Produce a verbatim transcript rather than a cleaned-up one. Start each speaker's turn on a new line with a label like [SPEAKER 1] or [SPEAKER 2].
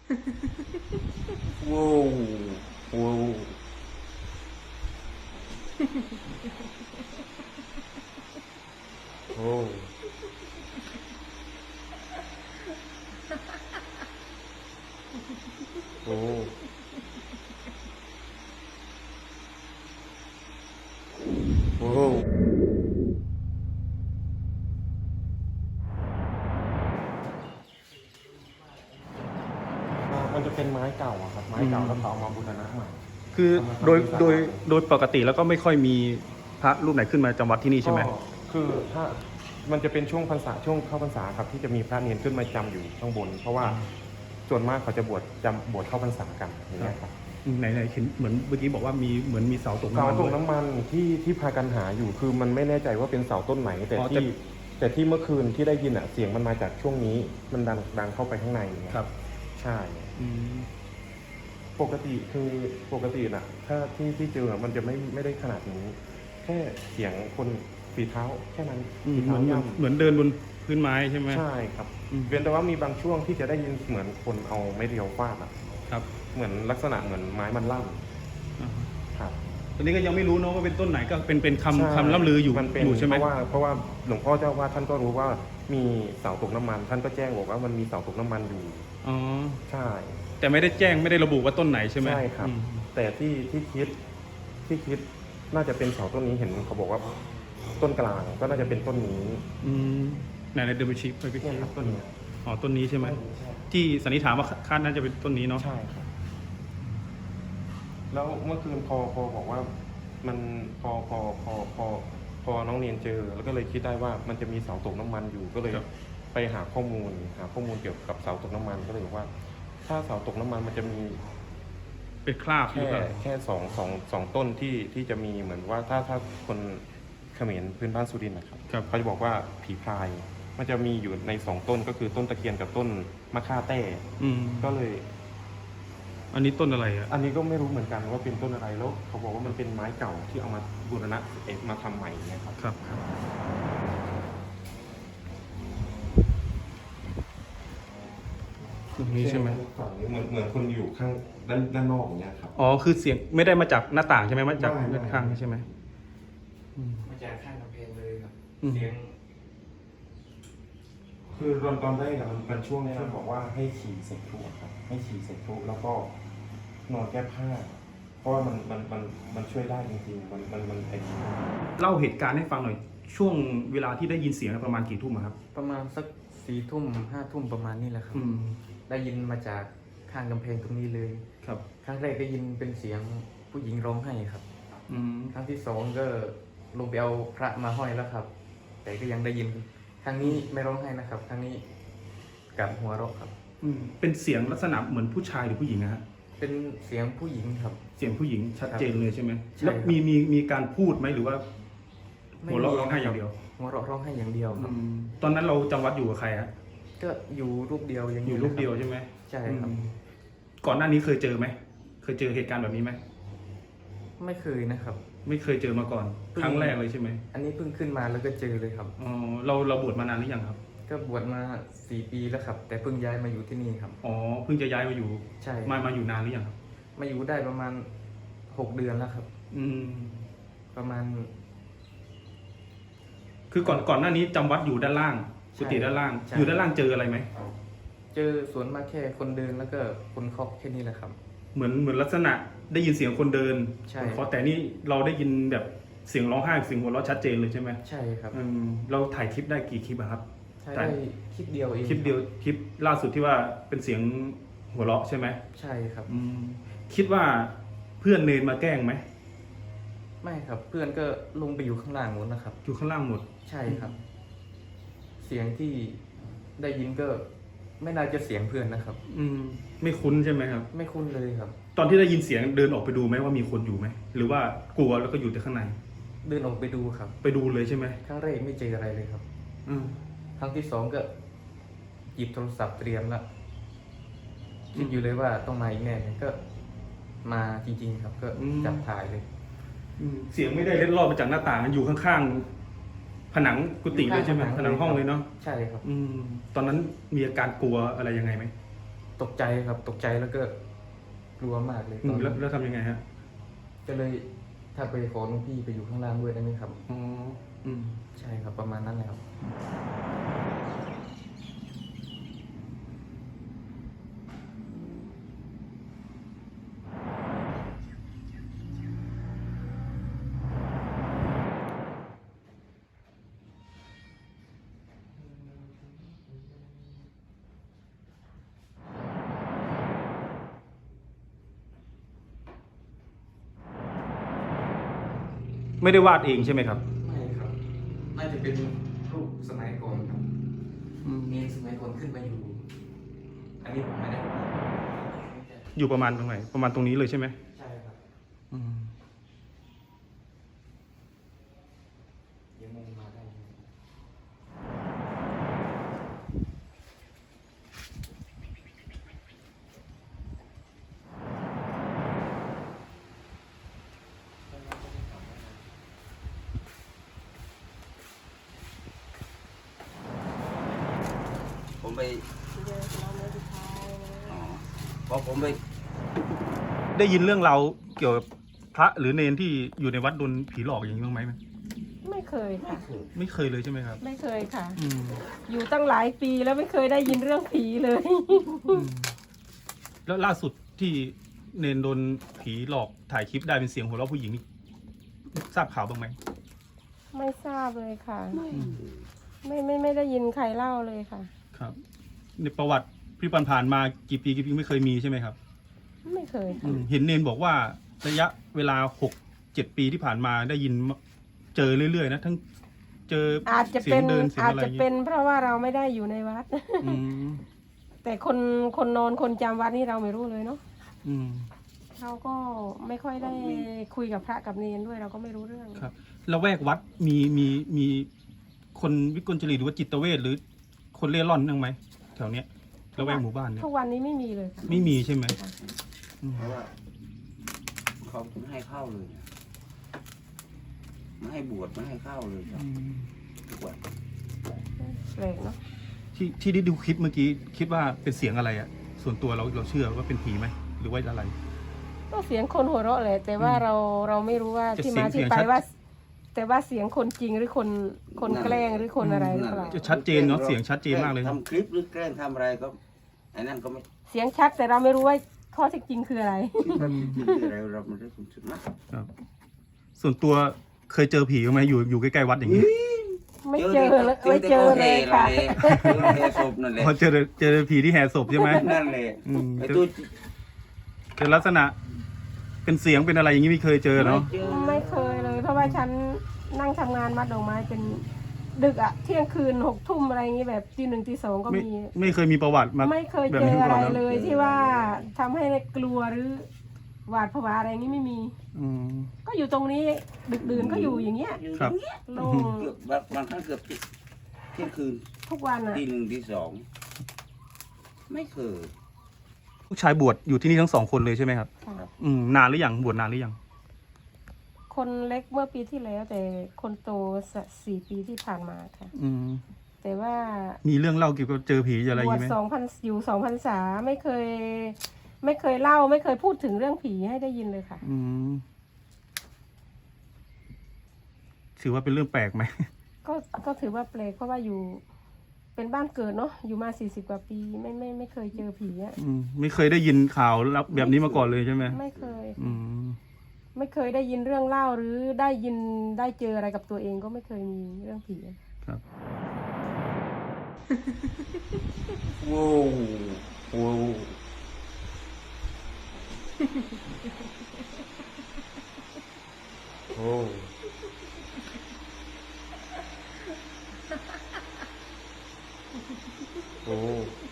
[SPEAKER 1] โว้วโว้วโอ้โอ้โอ้มันจะเป็นไม้เก่าอะครับไม้เก่าแล้วเขาเอามาบูรณะใหม่
[SPEAKER 2] คือโดยโดยโดยปกติแล้วก็ไม่ค่อยมีพระรูปไหนขึ้นมาจำวัดที่นี่ใช่ไหม
[SPEAKER 1] ก็คือถ้ามันจะเป็นช่วงพรรษาช่วงเข้าพรรษาครับที่จะมีพระเนรขึ้นมาจำอยู่ข้างบน เพราะว่าส่วนมากเขาจะบวชจำบวชเข้าพรรษากันอย่างเงี้ยครับ
[SPEAKER 2] ไหนไหนเห็นเหมือนเมื่อกี้บอกว่ามีเหมือนมีเสาตกน้ำ
[SPEAKER 1] เสา
[SPEAKER 2] มัน
[SPEAKER 1] ตกน้ำมันที่ที่พากันหาอยู่คือมันไม่แน่ใจว่าเป็นเสาต้นไหน แต่
[SPEAKER 2] อ๋อแต่
[SPEAKER 1] ที่แต่ที่เมื่อคืนที่ได้ยินอ่ะเสียงมันมาจากช่วงนี้มันดังดังเข้าไปข้างในอย่างเงี้ย
[SPEAKER 2] ครับ
[SPEAKER 1] ใช่
[SPEAKER 2] อืม
[SPEAKER 1] ปกติคือปกติน่ะ ถ้าที่ที่เจออะมันจะไม่ไม่ได้ขนาดนี้ แค่เสียงคนฝีเท้าแค่นั้น
[SPEAKER 2] อืม
[SPEAKER 1] ฝี
[SPEAKER 2] เหมื
[SPEAKER 1] เท้า
[SPEAKER 2] อน
[SPEAKER 1] ย่
[SPEAKER 2] เหมือนเดินบนพื้นไม้ใช่ไหม
[SPEAKER 1] ำใช่ครับ
[SPEAKER 2] อืม
[SPEAKER 1] เว้นแต่ว่ามีบางช่วงที่จะได้ยินเหมือนคนเอาไม้เรียวฟาดอ่ะ
[SPEAKER 2] ครับ
[SPEAKER 1] เหมือนลักษณะเหมือนไม้มันลั่น
[SPEAKER 2] อ่าฮะ
[SPEAKER 1] ครับ
[SPEAKER 2] ตอนนี้ก็ยังไม่รู้เนอะว่าเป็นต้นไหนก็เป็นเป็นคำคำล่ำลืออยู่
[SPEAKER 1] มันเป็น
[SPEAKER 2] อยู่ใช่ไหม
[SPEAKER 1] เพราะว่าเพราะว่าหลวงพ่อเจ้าว่าท่านก็รู้ว่ามีเสาตกน้ำมัน ท่านก็แจ้งบอกว่ามันมีเสาตกน้ำมันอยู่
[SPEAKER 2] อ๋อ
[SPEAKER 1] ใช่
[SPEAKER 2] แต่ไม่ได้แจ้งไม่ได้ระบุว่าต้นไหนใช่ไหม
[SPEAKER 1] ใช่ครับ
[SPEAKER 2] อืม
[SPEAKER 1] แต่ที่ที่คิดที่คิดน่าจะเป็นเสาต้นนี้เห็นเขาบอกว่าต้นกลางก็น่าจะเป็นต้นนี้
[SPEAKER 2] อืมไหนไหนเดินไปชี้ไปไป
[SPEAKER 1] เนี่ย
[SPEAKER 2] ชี้
[SPEAKER 1] ครับต้นนี้
[SPEAKER 2] อ๋อต้นนี้ใช่ไหม
[SPEAKER 1] ใช่
[SPEAKER 2] ที่สันนิษฐานว่าคาดน่าจะเป็นต้นนี้เนาะ
[SPEAKER 1] ใช่ครับ แล้วเมื่อคืนพอพอบอกว่ามันพอพอพอพอพอน้องเนียนเจอ แล้วก็เลยคิดได้ว่ามันจะมีเสาตกน้ำมันอยู่ก็เลย ไปหาข้อมูลหาข้อมูลเกี่ยวกับเสาตกน้ำมันก็เลยบอกว่า ถ้าเสาตกน้ำมันมันจะมี
[SPEAKER 2] เป็นคราบหรื
[SPEAKER 1] แค่
[SPEAKER 2] อเปล่า
[SPEAKER 1] แค่สองสองสองต้นที่ที่จะมีเหมือนว่าถ้าถ้าคนเขมรพื้นบ้านสุรินทร์นะครับ
[SPEAKER 2] ครับ
[SPEAKER 1] เขาจะบอกว่าผีพราย มันจะมีอยู่ในสองต้นก็คือต้นตะเคียนกับต้นมะค่าแต้
[SPEAKER 2] อืม
[SPEAKER 1] ก็เลย
[SPEAKER 2] อันนี้ต้นอะไรอ่ะ
[SPEAKER 1] อันนี้ก็ไม่รู้เหมือนกันว่าเป็นต้นอะไรแล้วเขาบอกว่ามันเป็นไม้เก่าที่เอามาบูรณะเอกมาทำใหม่เนี่ยครับ
[SPEAKER 2] ครับตรงนี้ใช่ไหม
[SPEAKER 1] ฝั่งนี้เหมือนเหมือนคนอยู่ข้างด้านด้านนอกอย่างเงี้ยครับ
[SPEAKER 2] อ๋อ คือเสียงไม่ได้มาจากหน้าต่างใช่ไหมมาจาก
[SPEAKER 1] ไม่ไม่
[SPEAKER 2] ด้านข้างใช่ไหมอืม
[SPEAKER 3] มาจากข้างกำแพงเลยครับ
[SPEAKER 2] อืม
[SPEAKER 3] เสียง
[SPEAKER 1] คือตอนตอนแรกอะมันเป็นช่วงที่บอกว่าให้ฉี่เสร็จทุกครับ ให้ฉี่เสร็จทุกแล้วก็นอนแก้ผ้า เพราะว่ามันมันมันมันช่วยได้จริงๆมันมันมันไอ้
[SPEAKER 2] เล่าเหตุการณ์ให้ฟังหน่อย ช่วงเวลาที่ได้ยินเสียงประมาณกี่ทุ่มอะครับ
[SPEAKER 3] ประมาณสักสี่ทุ่มห้าทุ่มประมาณนี้แหละครับ
[SPEAKER 2] อืม
[SPEAKER 3] ได้ยินมาจากข้างกำแพงตรงนี้เลย
[SPEAKER 2] ครับ
[SPEAKER 3] ครั้งแรกได้ยินเป็นเสียงผู้หญิงร้องไห้ครับ
[SPEAKER 2] อืม
[SPEAKER 3] ครั้งที่สองก็ลงไปเอาพระมาห้อยแล้วครับ แต่ก็ยังได้ยิน ครั้งนี้ไม่ร้องไห้นะครับ ครั้งนี้กลับหัวเราะครับ
[SPEAKER 2] อืม เป็นเสียงลักษณะเหมือนผู้ชายหรือผู้หญิงนะฮะ
[SPEAKER 3] เป็นเสียงผู้หญิงครับ
[SPEAKER 2] เสียงผู้หญิงชัดเจนเลยใช่ไหม
[SPEAKER 3] ใช่
[SPEAKER 2] แล้ว
[SPEAKER 3] ครับ
[SPEAKER 2] มีมีมีการพูดไหมหรือว่า
[SPEAKER 3] ไม่
[SPEAKER 2] หัวเราะ
[SPEAKER 3] มี
[SPEAKER 2] ร้องไห้อย่างเดียว
[SPEAKER 3] หัวเราะร้องไห้อย่างเดียวครับ
[SPEAKER 2] อืมตอนนั้นเราจำวัดอยู่กับใครฮะ
[SPEAKER 3] ก็อยู่รูปเดียวยัง
[SPEAKER 2] อยู่รูปเดียวใช่ไหม
[SPEAKER 3] ใช่ครับ
[SPEAKER 2] อืมก่อนหน้านี้เคยเจอไหม เคยเจอเหตุการณ์แบบนี้ไหม
[SPEAKER 3] ไม่เคยนะครับ
[SPEAKER 2] ไม่เคยเจอมาก่อน
[SPEAKER 3] เพิ่ง
[SPEAKER 2] ครั้งแรกเลยใช่ไหม
[SPEAKER 3] อันนี้เพิ่งขึ้นมาแล้วก็เจอเลยครับ
[SPEAKER 2] อ๋อ เราเราบวชมานานหรือยังครับ
[SPEAKER 3] ก็บวชมาสี่ปีแล้วครับ แต่เพิ่งย้ายมาอยู่ที่นี่ครับ
[SPEAKER 2] อ๋อ เพิ่งจะย้ายมาอยู่
[SPEAKER 3] ใช่
[SPEAKER 2] มามาอยู่นานหรือยังครับ
[SPEAKER 3] มาอยู่ได้ประมาณหกเดือนแล้วครับ
[SPEAKER 2] อืม
[SPEAKER 3] ประมาณ
[SPEAKER 2] คือก่อนก่อนหน้านี้จำวัดอยู่ด้านล่าง
[SPEAKER 3] ใช่
[SPEAKER 2] กุฏิด้านล่าง
[SPEAKER 3] ใช่
[SPEAKER 2] อยู่ด้านล่างเจออะไรไหม
[SPEAKER 3] เจอสวนมากแค่คนเดินแล้วก็คนเคาะแค่นี้แหละครับ
[SPEAKER 2] เหมือนเหมือนลักษณะได้ยินเสียงคนเดิน
[SPEAKER 3] ใช่
[SPEAKER 2] คนเคาะแต่นี่เราได้ยินแบบเสียงร้องไห้เสียงหัวเราะชัดเจนเลยใช่ไหม
[SPEAKER 3] ใช่ครับ
[SPEAKER 2] อืมเราถ่ายคลิปได้กี่คลิปอะครับ
[SPEAKER 3] ใช่ได้คลิปเดียวเอง
[SPEAKER 2] คลิปเดียวคลิปล่าสุดที่ว่าเป็นเสียงหัวเราะใช่ไหม
[SPEAKER 3] ใช่ครับ
[SPEAKER 2] อืมคิดว่าเพื่อนเนนมาแกล้งไหม
[SPEAKER 3] ไม่ครับ เพื่อนก็ลงไปอยู่ข้างล่างนู้นนะครับ
[SPEAKER 2] อยู่ข้างล่างหมด
[SPEAKER 3] ใช่ครับ เสียงที่ได้ยินก็ไม่น่าจะเสียงเพื่อนนะครับ
[SPEAKER 2] อืมไม่คุ้นใช่ไหมครับ
[SPEAKER 3] ไม่คุ้นเลยครับ
[SPEAKER 2] ตอนที่ได้ยินเสียงเดินออกไปดูไหมว่ามีคนอยู่ไหมหรือว่ากลัวแล้วก็อยู่แต่ข้างใน
[SPEAKER 3] เดินออกไปดูครับ
[SPEAKER 2] ไปดูเลยใช่ไหม
[SPEAKER 3] ครั้งแรกไม่เจออะไรเลยครับ
[SPEAKER 2] อืม
[SPEAKER 3] ครั้งที่สองก็หยิบโทรศัพท์เตรียมแล้วคิดอยู่เลยว่าต้องมาอีกแน่ก็มาจริงๆครับ ก็จับถ่ายเลย
[SPEAKER 2] อืมเสียงไม่ได้เล็ดลอดมาจากหน้าต่างมันอยู่ข้างๆผนังกุฏิเลยใช่ไหมผนังห้องเลยเนาะ
[SPEAKER 3] ใช่ครับ
[SPEAKER 2] อืมตอนนั้นมีอาการกลัวอะไรยังไงไหม
[SPEAKER 3] ตกใจครับตกใจแล้วก็กลัวมากเลย
[SPEAKER 2] อื
[SPEAKER 3] ตอ
[SPEAKER 2] ม
[SPEAKER 3] น
[SPEAKER 2] แล้ว
[SPEAKER 3] นั้น
[SPEAKER 2] แล้วทำยังไงฮะ
[SPEAKER 3] ก็เลยถ้าไปขอหลวงพี่ไปอยู่ข้างล่างด้วยได้ไหมครับ
[SPEAKER 2] อ๋ออืม
[SPEAKER 3] ใช่ครับประมาณนั้นเลยครับ
[SPEAKER 2] ไม่ได้วาดเองใช่ไหมครับ
[SPEAKER 3] ไม่ครับน่าจะเป็นรูปสมัยก่อนครับ
[SPEAKER 2] อืม
[SPEAKER 3] เนรสมัยก่อนขึ้นมาอยู่ อันนี้ผมไม่ได้
[SPEAKER 2] อยู่ประมาณตรงไหนประมาณตรงนี้เลยใช่ไหม
[SPEAKER 3] ใช่ครับ
[SPEAKER 2] อืม
[SPEAKER 3] ยังมองมาได้อยู่
[SPEAKER 4] ผมไปอ๋อพอผมไป
[SPEAKER 2] ได้ยินเรื่องเราวเกี่ยวกับพระหรือเนนที่อยู่ในวัดโดนผีหลอกอย่างนี้บ้างไหม
[SPEAKER 5] ไม่เคยค่ะ
[SPEAKER 2] ไม่เคยเลยใช่ไหมครับ
[SPEAKER 5] ไม่เคยค่ะ
[SPEAKER 2] อืม
[SPEAKER 5] อยู่ตั้งหลายปีแล้วไม่เคยได้ยินเรื่องผีเลย
[SPEAKER 2] อืมแล้วล่าสุดที่เนนโดนผีหลอกถ่ายคลิปได้เป็นเสียงหัวเราะผู้หญิงนี่ทราบข่าวบ้างไหม
[SPEAKER 5] ไม่ทราบเลยค่ะ ไม่ไม่ไม่ได้ยินใครเล่าเลยค่ะ
[SPEAKER 2] ครับ ในประวัติที่ผ่านๆมากี่ปีกี่ปีไม่เคยมีใช่ไหมครับ
[SPEAKER 5] ไม่เคย
[SPEAKER 2] อื
[SPEAKER 5] ค่ะ
[SPEAKER 2] มเห็นเนนบอกว่าระยะเวลาหกเจ็ดปีที่ผ่านมาได้ยินเจอเรื่อยๆนะทั้งเจอ
[SPEAKER 5] อาจจะ
[SPEAKER 2] เสีย
[SPEAKER 5] เป็
[SPEAKER 2] ง
[SPEAKER 5] น
[SPEAKER 2] เดินเสียง
[SPEAKER 5] อาจ
[SPEAKER 2] อะไรอ
[SPEAKER 5] จะ
[SPEAKER 2] ย่าง
[SPEAKER 5] เป็
[SPEAKER 2] งี้
[SPEAKER 5] นเพราะว่าเราไม่ได้อยู่ในวัด
[SPEAKER 2] อืม
[SPEAKER 5] แต่คนคนนอนคนจำวัดนี่เราไม่รู้เลยเนาะ
[SPEAKER 2] อืม
[SPEAKER 5] เราก็ไม่ค่อยได้คุยกับพระกับเนรด้วยเราก็ไม่รู้เรื่อง
[SPEAKER 2] ครับแล้วแวกวัดมีมีมีคนวิกลจริตหรือว่าจิตเวชหรือคนเล่ร่อนนั่งไหมแถวเนี้ยแล้วแวกหมู่บ้านเนี่ย
[SPEAKER 5] ทุกวันนี้ไม่มีเลยค่ะ
[SPEAKER 2] ไม่มีใช่ไหม
[SPEAKER 5] ค่ะ
[SPEAKER 2] อืม
[SPEAKER 4] เพราะว่าเขาไม่ให้เข้าเลยนะไม่ให้บวชไม่ให้เข้าเลยครับ
[SPEAKER 2] อืม
[SPEAKER 4] ทุกวัน
[SPEAKER 5] แปลกเนาะ
[SPEAKER 2] ที่ที่ได้ดูคลิปเมื่อกี้คิดว่าเป็นเสียงอะไรอะส่วนตัวเราเราเชื่อว่าเป็นผีไหมหรือว่าอะไร
[SPEAKER 5] ก็เสียงคนหัวเราะแหละแต่ว่าเราเราไม่รู้ว่า
[SPEAKER 2] จะ
[SPEAKER 5] ที่
[SPEAKER 2] เสีย
[SPEAKER 5] มาง ที่
[SPEAKER 2] เสียง
[SPEAKER 5] ไป
[SPEAKER 2] ชัด
[SPEAKER 5] ว่า แต่ว่าเสียงคนจริงหรือคนคนแกล้งหรือคนอะไรหรือเปล่า
[SPEAKER 2] จะชัดเจนเนาะเสียงชัดเจนมากเลยนะ
[SPEAKER 4] ทำคลิปหรือแกล้งทำอะไรก็ไอ้นั่นก็ไม่
[SPEAKER 5] เสียงชัดแต่เราไม่รู้ว่าข้อเท็จจริงคืออะไร
[SPEAKER 4] คิดว่าจริงๆอะไรเราไม่ได้คุณสุดนะครับ
[SPEAKER 2] ส่วนตัวเคยเจอผีบ้างไหมอยู่อยู่ใกล้ๆวัดอย่างนี้
[SPEAKER 5] ไม่เจอเลยไม่เจอเลยค่ะ
[SPEAKER 4] เจอเฮศพนั่นแหละ
[SPEAKER 2] พอเจอเจอผีที่แห่ศพใช่ไหม
[SPEAKER 4] นั่นแหละ
[SPEAKER 2] อืม
[SPEAKER 4] ไอ้ตัว
[SPEAKER 2] เจอลักษณะ เป็นเสียงเป็นอะไรอย่างนี้ไม่เคยเจอเนาะ
[SPEAKER 4] เจอ
[SPEAKER 5] ไม่เคยเลย เพราะว่าฉันนั่งทำงานมัดดอกไม้เป็นดึกอะเที่ยงคืนหกทุ่มอะไรอย่างนี้แบบตีหนึ่งตีสองก็
[SPEAKER 2] ไม่
[SPEAKER 5] มี
[SPEAKER 2] ไม่เคยมีประวัติมา
[SPEAKER 5] ไม่เคย
[SPEAKER 2] แบบ
[SPEAKER 5] เจ
[SPEAKER 2] นี้
[SPEAKER 5] อ
[SPEAKER 2] มา
[SPEAKER 5] อะไร
[SPEAKER 2] ก่อนนะ
[SPEAKER 5] เลยที่ว่าทำให้กลัวหรือหวาดผวาอะไรอย่างนี้ไม่มี
[SPEAKER 2] อืม
[SPEAKER 5] ก็อยู่ตรงนี้ดึกดื่นก็อยู่อย่างเงี้ย
[SPEAKER 4] อยู่
[SPEAKER 2] ครับ
[SPEAKER 4] อย่างเงี้ย
[SPEAKER 5] โล่ง
[SPEAKER 4] เกือบบางบางครั้งเกือบเที่ยงคืน
[SPEAKER 5] ทุกวันอะ
[SPEAKER 4] ตีหนึ่งตีสองไม่เคย
[SPEAKER 2] ลูกชายบวชอยู่ที่นี่ทั้งสองคนเลยใช่ไหมครับ
[SPEAKER 5] ค่ะ
[SPEAKER 2] อืมนานหรือยังบวชนานหรือยัง
[SPEAKER 5] คนเล็กเมื่อปีที่แล้ว แต่คนโตสสี่ปีที่ผ่านมาค่ะ
[SPEAKER 2] อืม
[SPEAKER 5] แต่ว่า
[SPEAKER 2] มีเรื่องเล่าเกี่ยวกับเจอผีอะไรอบ ย่าง
[SPEAKER 5] วช
[SPEAKER 2] นี้ไหม
[SPEAKER 5] สองพันอยู่สองพันษาไม่เคย ไม่เคยเล่า ไม่เคยพูดถึงเรื่องผีให้ได้ยินเลยค่ะ
[SPEAKER 2] อืมถือว่าเป็นเรื่องแปลกไหม
[SPEAKER 5] ก็ก็ถือว่าแปลกเพราะว่าอยู่ เป็นบ้านเกิดเนาะอยู่มาสี่สิบกว่าปี ไม่ไม่ไม่เคยเจอผีอะ
[SPEAKER 2] อืมไม่เคยได้ยินข่าวรับแบบนี้มาก่อนเลยใช่ไหม
[SPEAKER 5] ไม่เคย
[SPEAKER 2] อืม
[SPEAKER 5] ไม่เคยได้ยินเรื่องเล่าหรือได้ยินได้เจออะไรกับตัวเองก็ไม่เคยมีเรื่องผีอะ
[SPEAKER 2] ครับ
[SPEAKER 4] โว้วโว้ว
[SPEAKER 1] โอ้โอ้